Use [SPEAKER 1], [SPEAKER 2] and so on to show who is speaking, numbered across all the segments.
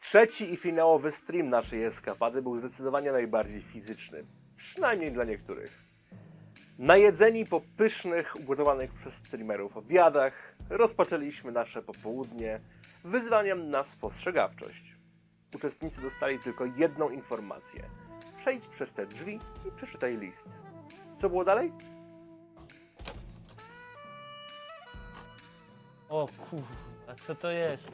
[SPEAKER 1] Trzeci i finałowy stream naszej eskapady był zdecydowanie najbardziej fizyczny. Przynajmniej dla niektórych. Najedzeni po pysznych, ugotowanych przez streamerów obiadach, rozpoczęliśmy nasze popołudnie wyzwaniem na spostrzegawczość. Uczestnicy dostali tylko jedną informację. Przejdź przez te drzwi i przeczytaj list. Co było dalej?
[SPEAKER 2] O kurwa, co to jest?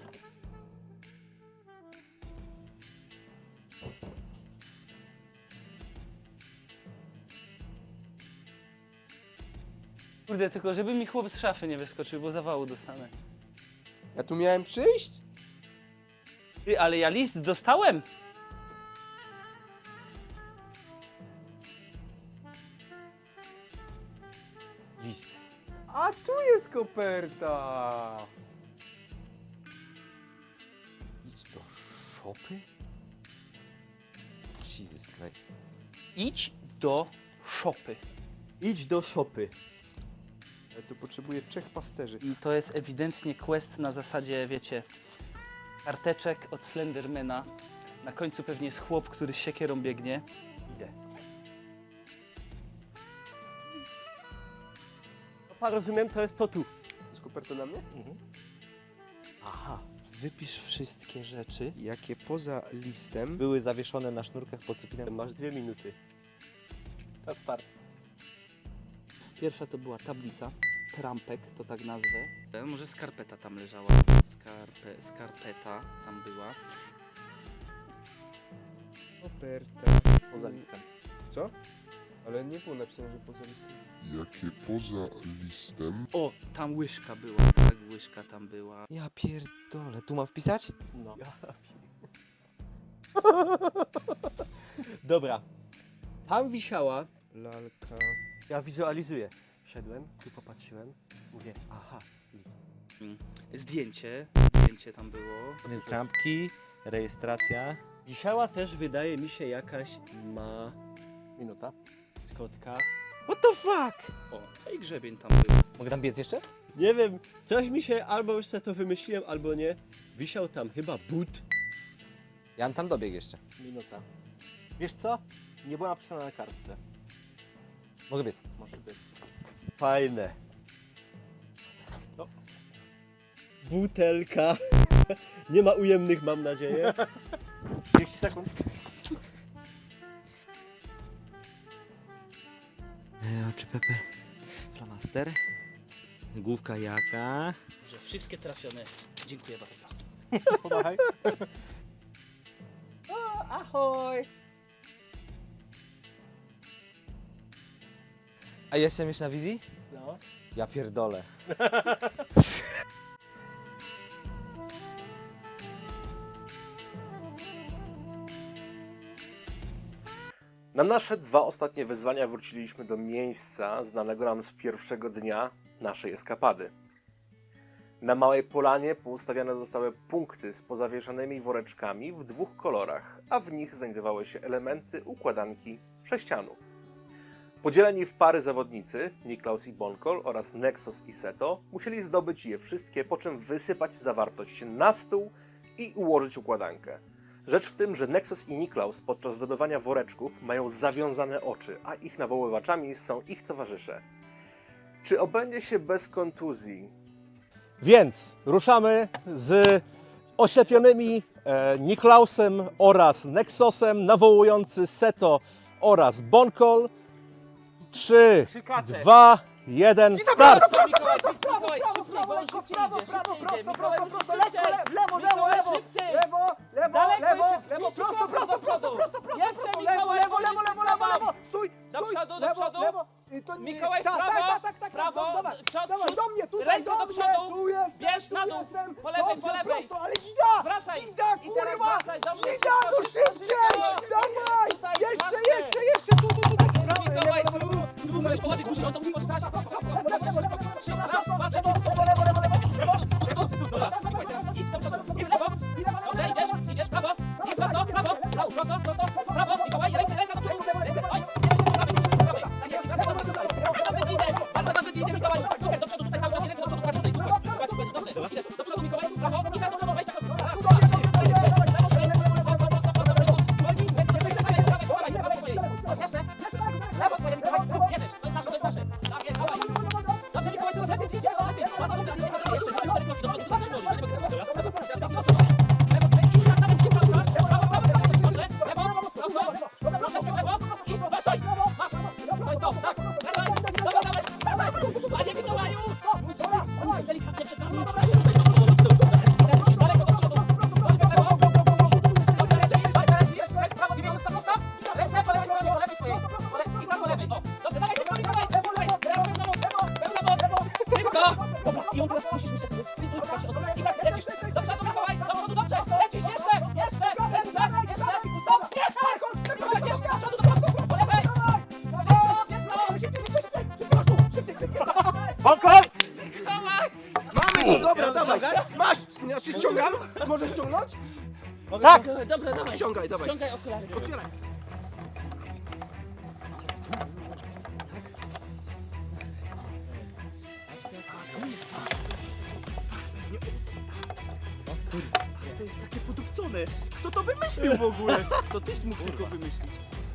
[SPEAKER 2] Kurde, tylko żeby mi chłop z szafy nie wyskoczył, bo zawału dostanę.
[SPEAKER 3] Ja tu miałem przyjść?
[SPEAKER 2] Ty, ale ja list dostałem!
[SPEAKER 3] List. A tu jest koperta! Idź do szopy? Jesus Christ.
[SPEAKER 2] Idź do szopy.
[SPEAKER 3] Idź do szopy. Ja tu potrzebuję 3 pasterzy.
[SPEAKER 2] I to jest ewidentnie quest na zasadzie, wiecie, karteczek od Slendermana. Na końcu pewnie jest chłop, który z siekierą biegnie. Idę.
[SPEAKER 4] Opa, rozumiem, to jest to tu.
[SPEAKER 3] Jest koperta na mnie?
[SPEAKER 2] Aha. Wypisz wszystkie rzeczy.
[SPEAKER 3] Jakie poza listem były zawieszone na sznurkach pod sufitem.
[SPEAKER 4] Masz 2 minuty.
[SPEAKER 1] Czas start.
[SPEAKER 2] Pierwsza to była tablica, trampek, to tak nazwę. Może skarpeta tam leżała. Skarpeta tam była.
[SPEAKER 3] Koperta.
[SPEAKER 1] Poza listem.
[SPEAKER 3] Co? Ale nie było napisane, że poza listem.
[SPEAKER 5] Jakie poza listem
[SPEAKER 2] O, tam łyżka była, tak, łyżka tam była.
[SPEAKER 3] Ja pierdolę. Tu mam wpisać?
[SPEAKER 1] No.
[SPEAKER 4] Dobra. Tam wisiała.
[SPEAKER 3] Lalka.
[SPEAKER 4] Ja wizualizuję. Wszedłem, tu popatrzyłem. Mówię, aha, list.
[SPEAKER 2] Zdjęcie tam było.
[SPEAKER 3] Trampki, rejestracja.
[SPEAKER 4] Wisiała też, wydaje mi się, jakaś
[SPEAKER 1] Minuta.
[SPEAKER 4] maskotka.
[SPEAKER 3] What the fuck?
[SPEAKER 2] O, i grzebień tam był.
[SPEAKER 3] Mogę tam biec jeszcze?
[SPEAKER 4] Nie wiem, coś mi się, albo już sobie to wymyśliłem, albo nie. Wisiał tam chyba but.
[SPEAKER 3] Ja bym tam dobiegł jeszcze.
[SPEAKER 1] Minuta. Wiesz co? Nie była napisana na kartce.
[SPEAKER 3] Mogę biec.
[SPEAKER 1] Może być.
[SPEAKER 4] Fajne.
[SPEAKER 1] No.
[SPEAKER 4] Butelka. Nie ma ujemnych, mam nadzieję.
[SPEAKER 1] 30 sekund.
[SPEAKER 3] Oczy Pepe. Flamaster. Główka jaka?
[SPEAKER 2] Że wszystkie trafione. Dziękuję bardzo.
[SPEAKER 1] Pomachaj.
[SPEAKER 4] Ahoj!
[SPEAKER 3] A jestem już na wizji?
[SPEAKER 1] No.
[SPEAKER 3] Ja pierdolę.
[SPEAKER 1] Na nasze 2 ostatnie wyzwania wróciliśmy do miejsca znanego nam z pierwszego dnia naszej eskapady. Na małej polanie poustawiane zostały punkty z pozawieszanymi woreczkami w 2 kolorach, a w nich znajdowały się elementy układanki sześcianu. Podzieleni w pary zawodnicy, Niklaus i Bonkol oraz Nexus i Seto, musieli zdobyć je wszystkie, po czym wysypać zawartość na stół i ułożyć układankę. Rzecz w tym, że Nexus i Niklaus podczas zdobywania woreczków mają zawiązane oczy, a ich nawoływaczami są ich towarzysze. Czy obędzie się bez kontuzji? Więc ruszamy z oślepionymi Niklausem oraz Nexusem, nawołujący Seto oraz Bonkol. 3, 2, 1, start!
[SPEAKER 2] Mikołaj, Mikołaj, szybciej, bo on szybciej idzie, szybciej idzie. Mikołaj, szybciej!
[SPEAKER 6] Lewo,
[SPEAKER 2] Mikołaj, szybciej! Daleko jeszcze,
[SPEAKER 6] prosto, prosto, prosto, prosto,
[SPEAKER 2] Jeszcze,
[SPEAKER 6] prosto,
[SPEAKER 2] Mikołaj,
[SPEAKER 6] lewo, lewo, lewo, lewo, lewo, stój,
[SPEAKER 2] Do
[SPEAKER 6] stój,
[SPEAKER 2] przodu, do
[SPEAKER 6] lewo,
[SPEAKER 2] przodu.
[SPEAKER 6] lewo. I to nie-
[SPEAKER 2] Mikołaj, w
[SPEAKER 6] tak,
[SPEAKER 2] prawo,
[SPEAKER 6] tak, tak,
[SPEAKER 2] prawo,
[SPEAKER 6] dobra,
[SPEAKER 2] przód,
[SPEAKER 6] dawaj,
[SPEAKER 2] przód.
[SPEAKER 6] do mnie, tutaj,
[SPEAKER 2] Ręce do
[SPEAKER 6] dobrze,
[SPEAKER 2] przodu.
[SPEAKER 6] tu jestem,
[SPEAKER 2] Bierz
[SPEAKER 6] tu
[SPEAKER 2] na dół,
[SPEAKER 6] jestem.
[SPEAKER 2] po lewej,
[SPEAKER 6] Dobrze,
[SPEAKER 2] po lewej.
[SPEAKER 6] prosto, ale dzida,
[SPEAKER 2] Wracaj.
[SPEAKER 6] dzida,
[SPEAKER 2] I teraz
[SPEAKER 6] kurwa,
[SPEAKER 2] wracaj, dobrze,
[SPEAKER 6] dzida,
[SPEAKER 2] szybko,
[SPEAKER 6] no
[SPEAKER 2] szybko,
[SPEAKER 6] szybciej,
[SPEAKER 2] szybko.
[SPEAKER 6] dawaj,
[SPEAKER 2] Tutaj,
[SPEAKER 6] jeszcze,
[SPEAKER 2] łatwiej.
[SPEAKER 6] jeszcze, tu, prawo,
[SPEAKER 2] Mikołaj,
[SPEAKER 6] lewo, lewo, lewo.
[SPEAKER 2] tu musisz położyć, musisz, on to musi położyć. Raz, dwa, trzy, dobra, Mikołaj, teraz idź do przodu, i w lewo. Dobrze, idziesz, prawo, i prosto, prawo, prawo, Mikołaj, ręka do przodu, ręce, oj, prawej, tak jest, wracaj do przodu, bardzo dobrze ci idzie, Mikołaj, super, do przodu, tutaj cały czas, ręce do przodu, patrz tutaj, dobrze, do przodu, Mikołaj, prawo, i tak do przodu, 20 sekund, raz, dwa, trzy,
[SPEAKER 6] Tak!
[SPEAKER 2] Dobra, dawaj.
[SPEAKER 3] Ściągaj, dawaj.
[SPEAKER 2] Ściągaj okulary.
[SPEAKER 6] Otwieraj.
[SPEAKER 2] To jest takie podupcone. Kto to wymyślił w ogóle? To tyś mógł tylko wymyślić.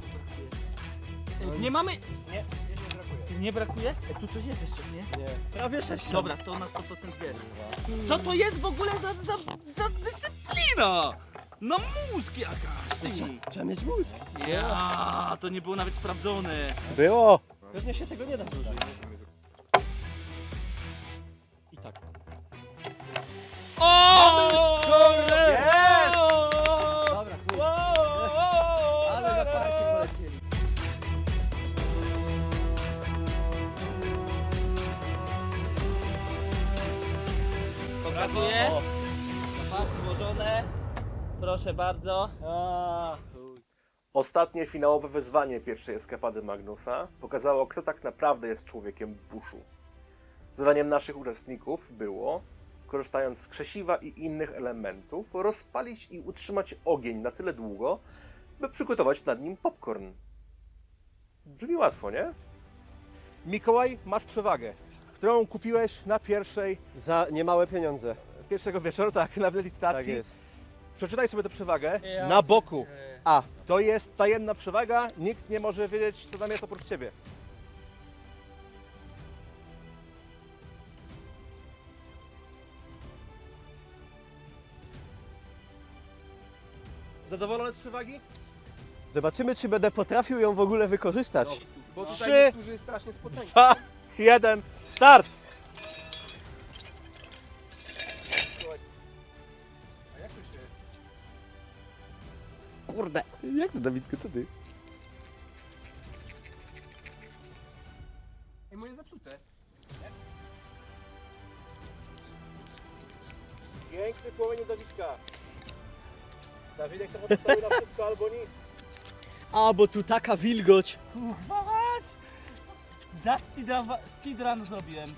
[SPEAKER 2] Nie mamy... Nie brakuje? Tu coś jest jeszcze, nie?
[SPEAKER 4] Nie.
[SPEAKER 2] Prawie 6. Dobra, to na 100% wiesz. Co to jest w ogóle za dyscyplina? No mózg jakaś, ty.
[SPEAKER 4] Trzeba mieć mózg.
[SPEAKER 2] Ja, to nie było nawet sprawdzone.
[SPEAKER 3] Było!
[SPEAKER 4] Pewnie się tego nie da zużyć. I tak.
[SPEAKER 2] O!
[SPEAKER 6] Jest!
[SPEAKER 4] Dobra, chuj. Ale na parki polecieli.
[SPEAKER 2] Pokazuję.
[SPEAKER 4] O.
[SPEAKER 2] Złożone. Proszę bardzo.
[SPEAKER 4] A, chuj.
[SPEAKER 1] Ostatnie finałowe wyzwanie pierwszej eskapady Magnusa pokazało, kto tak naprawdę jest człowiekiem buszu. Zadaniem naszych uczestników było, korzystając z krzesiwa i innych elementów, rozpalić i utrzymać ogień na tyle długo, by przygotować nad nim popcorn. Brzmi łatwo, nie?
[SPEAKER 3] Mikołaj, masz przewagę, którą kupiłeś na
[SPEAKER 4] Za niemałe pieniądze.
[SPEAKER 3] pierwszego wieczoru, tak, na licytacji.
[SPEAKER 4] Tak jest.
[SPEAKER 3] Przeczytaj sobie tę przewagę
[SPEAKER 2] Ja
[SPEAKER 3] na boku.
[SPEAKER 4] A,
[SPEAKER 3] To jest tajemna przewaga, nikt nie może wiedzieć, co tam jest oprócz ciebie. Zadowolony z przewagi?
[SPEAKER 4] zobaczymy, czy będę potrafił ją w ogóle wykorzystać.
[SPEAKER 3] Bo
[SPEAKER 2] No.
[SPEAKER 3] 3, 2, 1, start!
[SPEAKER 4] Kurde. Jak to, Dawidku, co ty?
[SPEAKER 3] Ej, moje zepsute. Piękny płomień Dawidka. Dawidek to postawił na wszystko albo nic.
[SPEAKER 4] A, bo tu taka wilgoć.
[SPEAKER 2] Chodź! Za speedrun zrobiłem.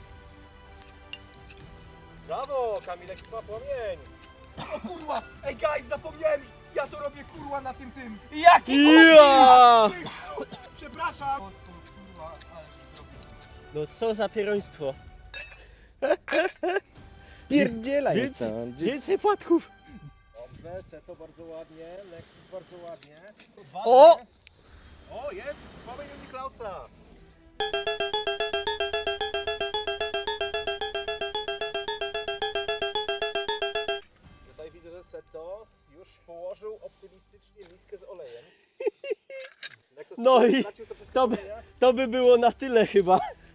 [SPEAKER 3] Brawo, Kamilek ma płomień.
[SPEAKER 6] O kurwa! Ej guys, zapomniałem! Ja to robię kurwa na tym.
[SPEAKER 2] Jaki
[SPEAKER 4] Ja!
[SPEAKER 6] Przepraszam! O kurwa, ale się zrobił.
[SPEAKER 4] No co za pieroństwo.
[SPEAKER 3] Pierdzielaj
[SPEAKER 4] Więcej płatków.
[SPEAKER 3] Dobrze, Seto bardzo ładnie, Lexus bardzo ładnie.
[SPEAKER 4] O!
[SPEAKER 3] O, jest! Płomień u Niklausa. Tutaj widzę, że Seto już położył optymistycznie miskę z olejem. Lexus
[SPEAKER 4] No i
[SPEAKER 3] stracił troszeczkę
[SPEAKER 4] to by-
[SPEAKER 3] oleja.
[SPEAKER 4] To by było na tyle chyba.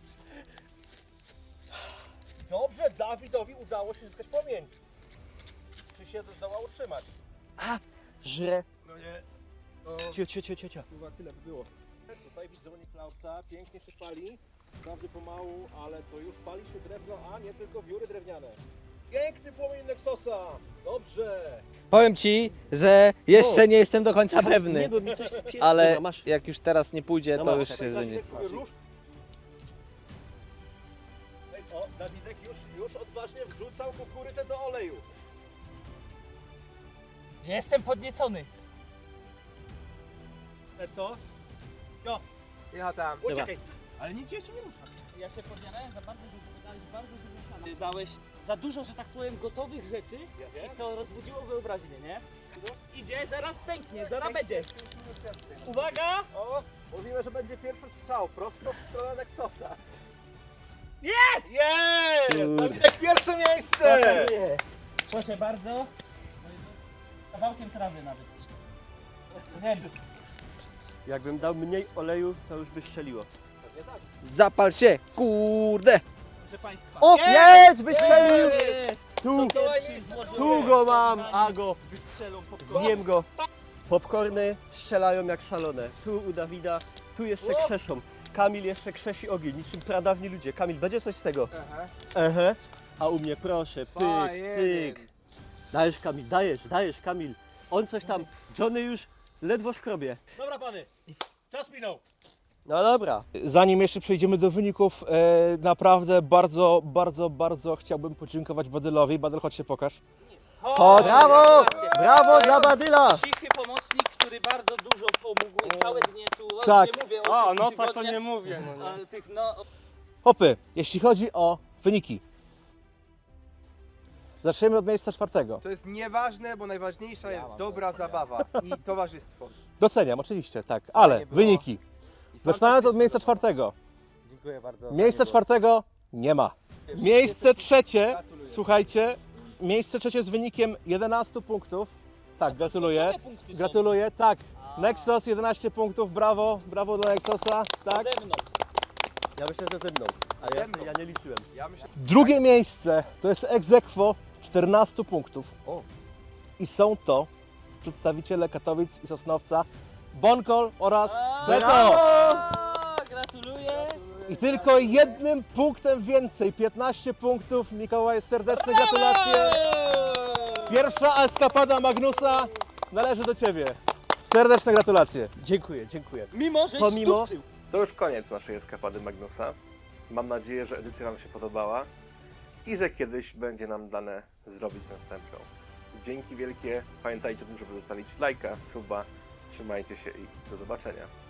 [SPEAKER 3] Dobrze, Dawidowi udało się zyskać płomień. Czy się zdoła utrzymać?
[SPEAKER 4] Żre.
[SPEAKER 3] No nie.
[SPEAKER 4] Cio.
[SPEAKER 3] Chyba tyle by było. Tutaj widzę u Niklausa, pięknie się pali. Wprawdzie pomału, ale to już pali się drewno, a nie tylko wióry drewniane. Piękny płomień Nexosa! Dobrze!
[SPEAKER 7] Powiem ci, że jeszcze nie jestem do końca
[SPEAKER 4] Nie,
[SPEAKER 7] pewny,
[SPEAKER 4] bo mi coś spierdoliło.
[SPEAKER 7] ale
[SPEAKER 4] Masz.
[SPEAKER 7] jak już teraz nie pójdzie,
[SPEAKER 4] No
[SPEAKER 7] to
[SPEAKER 4] masz.
[SPEAKER 7] już się będzie.
[SPEAKER 3] Dawidek sobie rusz. Ej, o, Dawidek już odważnie wrzucał kukurydzę do oleju.
[SPEAKER 2] Jestem podniecony.
[SPEAKER 3] To? Jo,
[SPEAKER 6] Ja tam.
[SPEAKER 3] uciekaj.
[SPEAKER 6] Ale nic jeszcze nie rusza.
[SPEAKER 2] Ja się podjarałem za bardzo, że wydałeś bardzo dużo siana. Ty dałeś za dużo, że tak powiem, gotowych rzeczy
[SPEAKER 3] Ja wiem.
[SPEAKER 2] i to rozbudziło wyobraźnię, nie? Idzie, zaraz pęknie, zaraz będzie. Uwaga!
[SPEAKER 3] O, mówimy, że będzie pierwszy strzał prosto w stronę Nexosa.
[SPEAKER 2] Jest!
[SPEAKER 3] Jest! Dawidek pierwsze miejsce!
[SPEAKER 2] Proszę bardzo. Kawałkiem trawy nawet. Wiem.
[SPEAKER 4] Jakbym dał mniej oleju, to już by strzeliło.
[SPEAKER 3] Pewnie tak.
[SPEAKER 7] Zapal się, kurde!
[SPEAKER 2] Proszę Państwa.
[SPEAKER 4] O, jest! Wystrzelił!
[SPEAKER 2] Jest!
[SPEAKER 4] Tu!
[SPEAKER 2] Pierwszy złożony.
[SPEAKER 4] Tu go mam! A go!
[SPEAKER 2] Wystrzelą popcorn.
[SPEAKER 4] Zjem go. Popcorny strzelają jak szalone. Tu u Dawida, tu jeszcze krzeszą. Kamil jeszcze krzesi ogień, niczym pradawni ludzie. Kamil, będzie coś z tego? Ehe. A u mnie proszę, pyk, cyk. Dajesz Kamil, dajesz Kamil. On coś tam, Johnny już ledwo szkrobie.
[SPEAKER 3] Dobra pany, czas minął.
[SPEAKER 4] No dobra.
[SPEAKER 3] Zanim jeszcze przejdziemy do wyników, naprawdę bardzo chciałbym podziękować Badylowi. Badyl, chodź się pokaż.
[SPEAKER 4] Chodź. Brawo! Brawo dla Badyla!
[SPEAKER 2] Cichy pomocnik, który bardzo dużo pomógł całe dnie tu.
[SPEAKER 4] Tak.
[SPEAKER 2] Nie mówię o tych
[SPEAKER 6] nocach to
[SPEAKER 2] tygodniach,
[SPEAKER 6] nie mówię.
[SPEAKER 2] ale tych, no,
[SPEAKER 3] Hopy, jeśli chodzi o wyniki. Zaczniemy od miejsca 4.
[SPEAKER 6] To jest nieważne, bo najważniejsza jest dobra zabawa i towarzystwo.
[SPEAKER 3] Doceniam, oczywiście, tak, ale
[SPEAKER 6] było.
[SPEAKER 3] wyniki. Zaczynając od miejsca 4.
[SPEAKER 6] Dziękuję bardzo.
[SPEAKER 3] Miejsce 4 nie ma. Miejsce 3, słuchajcie, miejsce 3 z wynikiem 11 punktów. Tak, gratuluję.
[SPEAKER 2] Jakie punkty są?
[SPEAKER 3] Gratuluję, tak. Nexus 11 punktów, brawo, brawo dla Nexusa, tak.
[SPEAKER 2] Ze mną.
[SPEAKER 4] Ja myślę, że ze mną, ale ja nie liczyłem.
[SPEAKER 6] Ja myślę,
[SPEAKER 3] Drugie miejsce to jest ex aequo 14 punktów.
[SPEAKER 4] O.
[SPEAKER 3] I są to przedstawiciele Katowic i Sosnowca, Bonkol oraz
[SPEAKER 2] A,
[SPEAKER 3] Zeto.
[SPEAKER 2] A, gratuluję.
[SPEAKER 3] I tylko jednym punktem więcej, 15 punktów. Mikołaj, serdeczne gratulacje. Pierwsza eskapada Magnusa należy do Ciebie. Serdeczne gratulacje.
[SPEAKER 4] Dziękuję, dziękuję.
[SPEAKER 2] Mimo, że
[SPEAKER 4] Pomimo-
[SPEAKER 2] stupcył.
[SPEAKER 1] To już koniec naszej eskapady Magnusa. Mam nadzieję, że edycja Wam się podobała i że kiedyś będzie nam dane zrobić następną. Dzięki wielkie. Pamiętajcie o tym, żeby zostawić lajka, suba. Trzymajcie się i do zobaczenia.